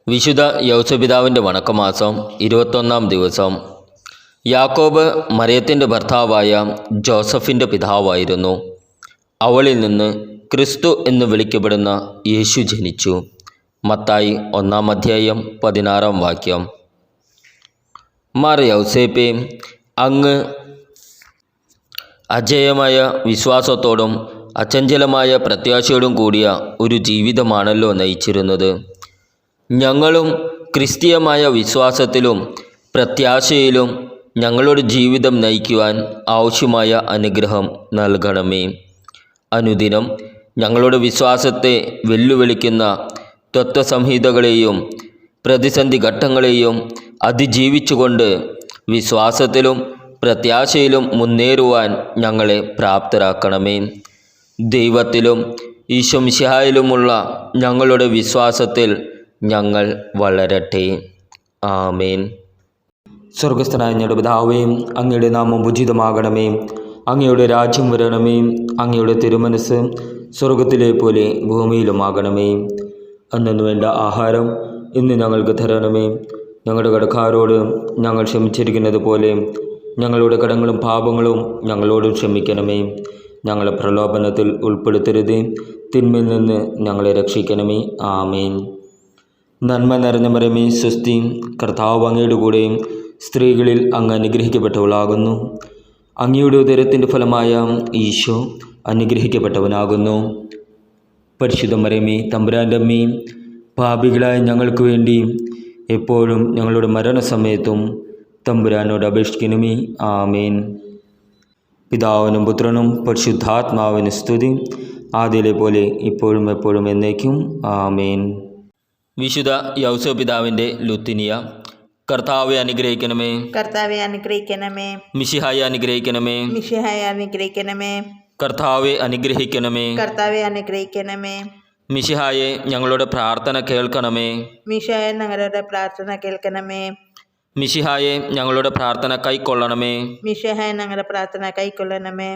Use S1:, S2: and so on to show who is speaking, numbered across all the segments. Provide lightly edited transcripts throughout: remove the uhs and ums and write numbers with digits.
S1: വിശുദ്ധ യൗസപിതാവിൻ്റെ വണക്കമാസം 21-ാം ദിവസം. യാക്കോബ് മറിയത്തിൻ്റെ ഭർത്താവായ ജോസഫിൻ്റെ പിതാവായിരുന്നു. അവളിൽ നിന്ന് ക്രിസ്തു എന്ന് വിളിക്കപ്പെടുന്ന യേശു ജനിച്ചു. മത്തായി 1-ാം അധ്യായം 16-ാം വാക്യം. മാർ യൗസേപ്പേ, അങ്ങ് അജേയമായ വിശ്വാസത്തോടും അചഞ്ചലമായ പ്രത്യാശയോടും കൂടിയ ഒരു ജീവിതമാണല്ലോ നയിച്ചിരുന്നത്. ഞങ്ങളും ക്രിസ്തീയമായ വിശ്വാസത്തിലും പ്രത്യാശയിലും ഞങ്ങളുടെ ജീവിതം നയിക്കുവാൻ ആവശ്യമായ അനുഗ്രഹം നൽകണമേ. അനുദിനം ഞങ്ങളുടെ വിശ്വാസത്തെ വെല്ലുവിളിക്കുന്ന തത്വസംഹിതകളെയും പ്രതിസന്ധി ഘട്ടങ്ങളെയും അതിജീവിച്ചുകൊണ്ട് വിശ്വാസത്തിലും പ്രത്യാശയിലും മുന്നേറുവാൻ ഞങ്ങളെ പ്രാപ്തരാക്കണമേ. ദൈവത്തിലും ഈശോ മിശിഹായിലുമുള്ള ഞങ്ങളുടെ വിശ്വാസത്തിൽ ഞങ്ങൾ വളരട്ടെ. ആമേൻ.
S2: സ്വർഗസ്ഥനായ ഞങ്ങളുടെ പിതാവേ, അങ്ങയുടെ നാമം ഉചിതമാകണമേ. അങ്ങയുടെ രാജ്യം വരണമേ. അങ്ങയുടെ തിരുമനസ് സ്വർഗത്തിലെ പോലെ ഭൂമിയിലുമാകണമേ. അന്നു വേണ്ട ആഹാരം ഇന്ന് ഞങ്ങൾക്ക് തരണമേ. ഞങ്ങളുടെ കടക്കാരോട് ഞങ്ങൾ ക്ഷമിച്ചിരിക്കുന്നത് പോലെ ഞങ്ങളുടെ കടങ്ങളും പാപങ്ങളും ഞങ്ങളോട് ക്ഷമിക്കണമേ. ഞങ്ങളെ പ്രലോഭനത്തിൽ ഉൾപ്പെടുത്തരുതേ, തിന്മയിൽ നിന്ന് ഞങ്ങളെ രക്ഷിക്കണമേ. ആമേൻ. നന്മ നിറഞ്ഞ മറിയമേ, സ്വസ്തി, കർത്താവ് അങ്ങയുടെ കൂടെ സ്ത്രീകളിൽ അങ്ങ് അനുഗ്രഹിക്കപ്പെട്ടവളാകുന്നു. അങ്ങയുടെ ഉദരത്തിൻ്റെ ഫലമായ ഈശോ അനുഗ്രഹിക്കപ്പെട്ടവനാകുന്നു. പരിശുദ്ധ മറിയമേ, തമ്പുരാൻ്റെ അമ്മേ, പാപികളായ ഞങ്ങൾക്ക് വേണ്ടി എപ്പോഴും ഞങ്ങളുടെ മരണസമയത്തും തമ്പുരാനോട് അപേക്ഷിക്കണമേ. ആമേൻ. പിതാവിനും പുത്രനും പരിശുദ്ധാത്മാവിന് സ്തുതി, ആദിയിലെ പോലെ ഇപ്പോഴും എപ്പോഴും എന്നേക്കും. ആമേൻ.
S1: വിശുദ്ധ യൗസപിതാവിൻ്റെ ലുത്തിനിയ. കർത്താവെ അനുഗ്രഹിക്കണമേ.
S3: കർത്താവെ അനുഗ്രഹിക്കണമേ.
S1: മിശിഹായെ അനുഗ്രഹിക്കണമേ.
S3: മിശിഹായെ അനുഗ്രഹിക്കണമേ.
S1: കർത്താവെ അനുഗ്രഹിക്കണമേ.
S3: കർത്താവെ അനുഗ്രഹിക്കണമേ.
S1: മിശിഹായെ ഞങ്ങളുടെ പ്രാർത്ഥന കേൾക്കണമേ.
S3: മിശിഹായെ ഞങ്ങളുടെ പ്രാർത്ഥന കേൾക്കണമേ.
S1: മിശിഹായെ ഞങ്ങളുടെ പ്രാർത്ഥന കൈക്കൊള്ളണമേ.
S3: മിശിഹായെ ഞങ്ങളുടെ പ്രാർത്ഥന കൈക്കൊള്ളണമേ.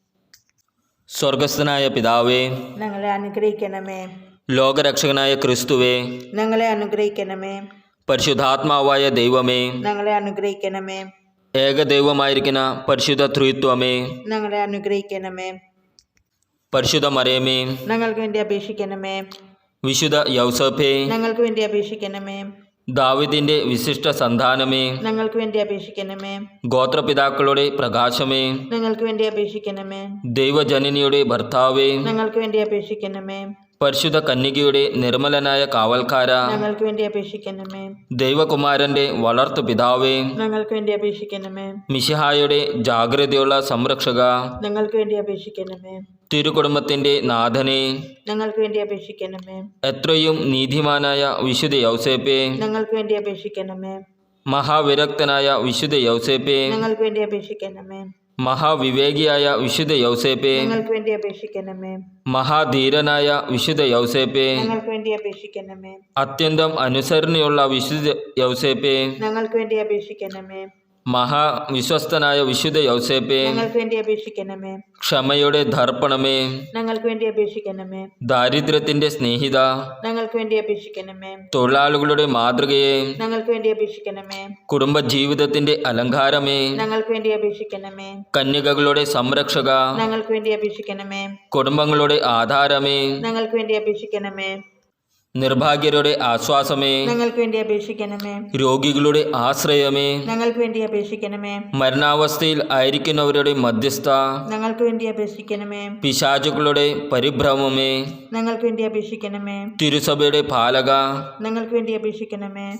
S1: സ്വർഗസ്ഥനായ പിതാവേ,
S3: ഞങ്ങളെ അനുഗ്രഹിക്കണമേ.
S1: ലോകരക്ഷകനായ ക്രിസ്തുവേ,
S3: ഞങ്ങളെ അനുഗ്രഹിക്കണമേ.
S1: പരിശുദ്ധാത്മാവായ ദൈവമേ,
S3: ഞങ്ങളെ അനുഗ്രഹിക്കണമേ.
S1: ഏകദൈവമായിരിക്കുന്ന പരിശുദ്ധ ത്രിത്വമേ,
S3: ഞങ്ങളെ അനുഗ്രഹിക്കണമേ.
S1: പരിശുദ്ധ മറിയമേ,
S3: ഞങ്ങൾക്ക് വേണ്ടി അപേക്ഷിക്കണമേ.
S1: വിശുദ്ധ യൗസേപ്പേ,
S3: ഞങ്ങൾക്ക് വേണ്ടി അപേക്ഷിക്കണമേ.
S1: ദാവീദിന്റെ വിശിഷ്ട സന്താനമേ,
S3: ഞങ്ങൾക്ക് വേണ്ടി അപേക്ഷിക്കണമേ.
S1: ഗോത്രപിതാക്കളുടെ പ്രകാശമേ,
S3: ഞങ്ങൾക്ക് വേണ്ടി അപേക്ഷിക്കണമേ.
S1: ദൈവജനനിയുടെ ഭർത്താവേ,
S3: ഞങ്ങൾക്ക് വേണ്ടി അപേക്ഷിക്കണമേ.
S1: പരിശുദ്ധ കന്യകയുടെ നിർമ്മലനായ കാവൽക്കാര,
S3: ഞങ്ങൾക്ക് വേണ്ടി അപേക്ഷിക്കണമേ.
S1: ദൈവകുമാരന്റെ വളർത്തു പിതാവേ,
S3: ഞങ്ങൾക്ക് വേണ്ടി അപേക്ഷിക്കണമേ.
S1: മിശിഹായുടെ ജാഗ്രതയുള്ള സംരക്ഷക,
S3: ഞങ്ങൾക്ക് വേണ്ടി അപേക്ഷിക്കണമേ.
S1: തിരുകുടുംബത്തിന്റെ നാഥനെ,
S3: ഞങ്ങൾക്ക് വേണ്ടി അപേക്ഷിക്കണമേ.
S1: എത്രയും നീതിമാനായ വിശുദ്ധ യൗസേപ്പേ,
S3: ഞങ്ങൾക്ക് വേണ്ടി അപേക്ഷിക്കണമേ.
S1: മഹാവിരക്തനായ വിശുദ്ധ യൗസേപ്പേ,
S3: ഞങ്ങൾക്ക് വേണ്ടി അപേക്ഷിക്കണമേ.
S1: മഹാവിവേകിയായ വിശുദ്ധ യൗസേപ്പേ,
S3: ഞങ്ങൾക്ക് വേണ്ടി അപേക്ഷിക്കണമേ.
S1: മഹാധീരനായ വിശുദ്ധ യൗസേപ്പേ,
S3: ഞങ്ങൾക്ക് വേണ്ടി അപേക്ഷിക്കണമേ.
S1: അത്യന്തം അനുസരണയുള്ള വിശുദ്ധ യൗസേപ്പേ,
S3: ഞങ്ങൾക്ക് വേണ്ടി അപേക്ഷിക്കണമേ.
S1: മഹാവിശ്വസ്തനായ വിശുദ്ധ യൗസേപ്പേ,
S3: ഞങ്ങൾക്ക് വേണ്ടി അപേക്ഷിക്കണമേ.
S1: ക്ഷമയുടെ ദർപ്പണമേ,
S3: ഞങ്ങൾക്ക് വേണ്ടി അപേക്ഷിക്കണമേ.
S1: ദാരിദ്ര്യത്തിന്റെ സ്നേഹിത,
S3: ഞങ്ങൾക്ക് വേണ്ടി അപേക്ഷിക്കണമേ.
S1: തൊഴിലാളികളുടെ മാതൃകയെ,
S3: ഞങ്ങൾക്ക് വേണ്ടി അപേക്ഷിക്കണമേ.
S1: കുടുംബജീവിതത്തിന്റെ അലങ്കാരമേ,
S3: ഞങ്ങൾക്ക് വേണ്ടി അപേക്ഷിക്കണമേ.
S1: കന്യകകളുടെ സംരക്ഷക,
S3: ഞങ്ങൾക്ക് വേണ്ടി അപേക്ഷിക്കണമേ.
S1: കുടുംബങ്ങളുടെ ആധാരമേ,
S3: ഞങ്ങൾക്ക് വേണ്ടി അപേക്ഷിക്കണമേ.
S1: നിർഭാഗ്യരുടെ ആശ്വാസമേ,
S3: ഞങ്ങൾക്ക് വേണ്ടി അപേക്ഷിക്കണമേ.
S1: രോഗികളുടെ ആശ്രയമേ,
S3: ഞങ്ങൾക്ക് വേണ്ടി അപേക്ഷിക്കണമേ.
S1: മരണാവസ്ഥയിൽ ആയിരിക്കുന്നവരുടെ മധ്യസ്ഥ,
S3: ഞങ്ങൾക്ക് വേണ്ടി അപേക്ഷിക്കണമേ.
S1: പിശാചുക്കളുടെ പരിഭ്രമമേ,
S3: ഞങ്ങൾക്ക് വേണ്ടി അപേക്ഷിക്കണമേ.
S1: തിരുസഭയുടെ പാലക,
S3: ഞങ്ങൾക്ക് വേണ്ടി അപേക്ഷിക്കണമേ.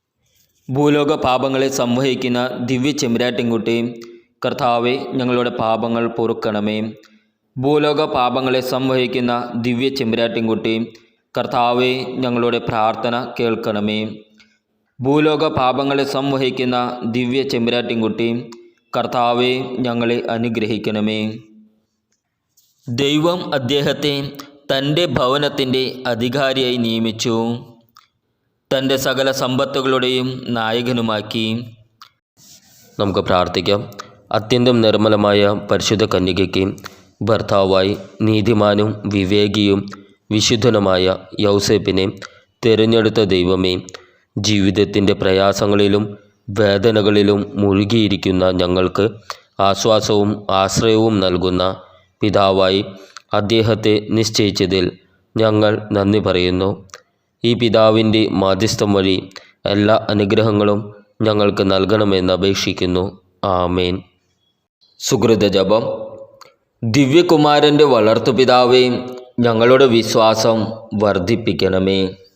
S1: ഭൂലോക പാപങ്ങളെ സംവഹിക്കുന്ന ദിവ്യ ചെമ്പരാട്ടിൻകുട്ടി, കർത്താവെ ഞങ്ങളുടെ പാപങ്ങൾ പൊറുക്കണമേ. ഭൂലോക പാപങ്ങളെ സംവഹിക്കുന്ന ദിവ്യ ചെമ്പരാട്ടിൻകുട്ടി, കർത്താവെ ഞങ്ങളുടെ പ്രാർത്ഥന കേൾക്കണമേ. ഭൂലോക പാപങ്ങളെ സംവഹിക്കുന്ന ദിവ്യ ചെമ്പരാട്ടിൻകുട്ടി, കർത്താവെ ഞങ്ങളെ അനുഗ്രഹിക്കണമേ. ദൈവം അദ്ദേഹത്തെ തൻ്റെ ഭവനത്തിൻ്റെ അധികാരിയായി നിയമിച്ചു, തൻ്റെ സകല സമ്പത്തുകളുടെയും നായകനുമാക്കി. നമുക്ക് പ്രാർത്ഥിക്കാം. അത്യന്തം നിർമ്മലമായ പരിശുദ്ധ കന്യകയ്ക്ക് ഭർത്താവായി നീതിമാനും വിവേകിയും വിശുദ്ധനുമായ യൗസേപ്പിനെ തിരഞ്ഞെടുത്ത ദൈവമേ, ജീവിതത്തിൻ്റെ പ്രയാസങ്ങളിലും വേദനകളിലും മുഴുകിയിരിക്കുന്ന ഞങ്ങൾക്ക് ആശ്വാസവും ആശ്രയവും നൽകുന്ന പിതാവായി അദ്ദേഹത്തെ നിശ്ചയിച്ചതിൽ ഞങ്ങൾ നന്ദി പറയുന്നു. ഈ പിതാവിൻ്റെ മാധ്യസ്ഥം വഴി എല്ലാ അനുഗ്രഹങ്ങളും ഞങ്ങൾക്ക് നൽകണമെന്ന് അപേക്ഷിക്കുന്നു. ആമേൻ. സുകൃത ജപം. ദിവ്യകുമാരൻ്റെ വളർത്തുപിതാവേ, ഞങ്ങളുടെ വിശ്വാസം വർദ്ധിപ്പിക്കണമേ.